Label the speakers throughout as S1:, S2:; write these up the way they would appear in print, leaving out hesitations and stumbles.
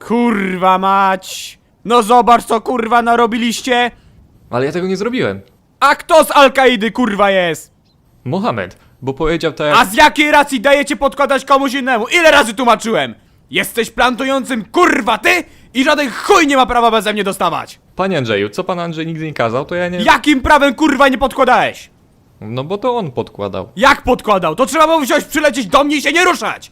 S1: Kurwa mać! No zobacz co kurwa narobiliście!
S2: Ale ja tego nie zrobiłem.
S1: A kto z Al-Kaidy kurwa jest?
S2: Mohamed, bo powiedział tak
S1: A z jakiej racji dajecie podkładać komuś innemu? Ile razy tłumaczyłem? Jesteś plantującym kurwa ty i żaden chuj nie ma prawa beze mnie dostawać!
S2: Panie Andrzeju, co pan Andrzej nigdy nie kazał, to ja nie...
S1: Jakim prawem kurwa nie podkładałeś?
S2: No bo to on podkładał.
S1: Jak podkładał? To trzeba było wziąć, przylecieć do mnie i się nie ruszać!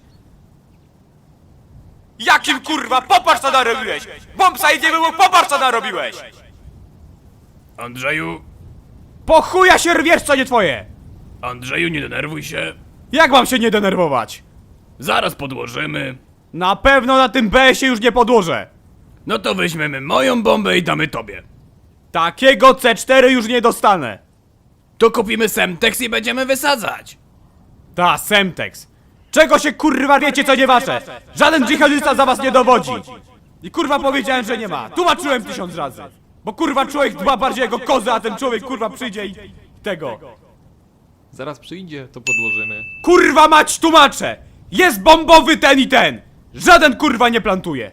S1: Jakim kurwa? Popatrz co narobiłeś! Bombsite nie było, popatrz co narobiłeś!
S3: Andrzeju,
S1: Po chuja się rwiesz, co nie twoje!
S3: Andrzeju, nie denerwuj się.
S1: Jak mam się nie denerwować?
S3: Zaraz podłożymy.
S1: Na pewno na tym BS-ie już nie podłożę!
S3: No to weźmiemy moją bombę i damy tobie.
S1: Takiego C4 już nie dostanę!
S3: To kupimy Semtex i będziemy wysadzać.
S1: Ta, Semtex! Czego się kurwa wiecie, co nie wasze? Żaden dżihadysta za was nie dowodzi! I kurwa powiedziałem, że nie ma! Tłumaczyłem 1000 razy! Bo kurwa człowiek dba bardziej jego kozę, a ten człowiek kurwa przyjdzie i... tego...
S2: Zaraz przyjdzie, to podłożymy.
S1: Kurwa mać tłumaczę! Jest bombowy ten i ten! Żaden kurwa nie plantuje!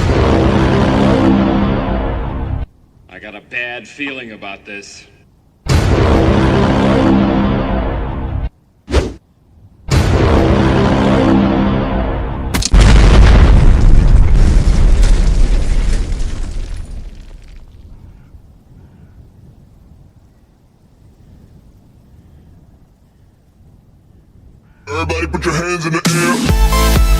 S4: I got a bad feeling about this.
S5: Everybody put your hands in the air.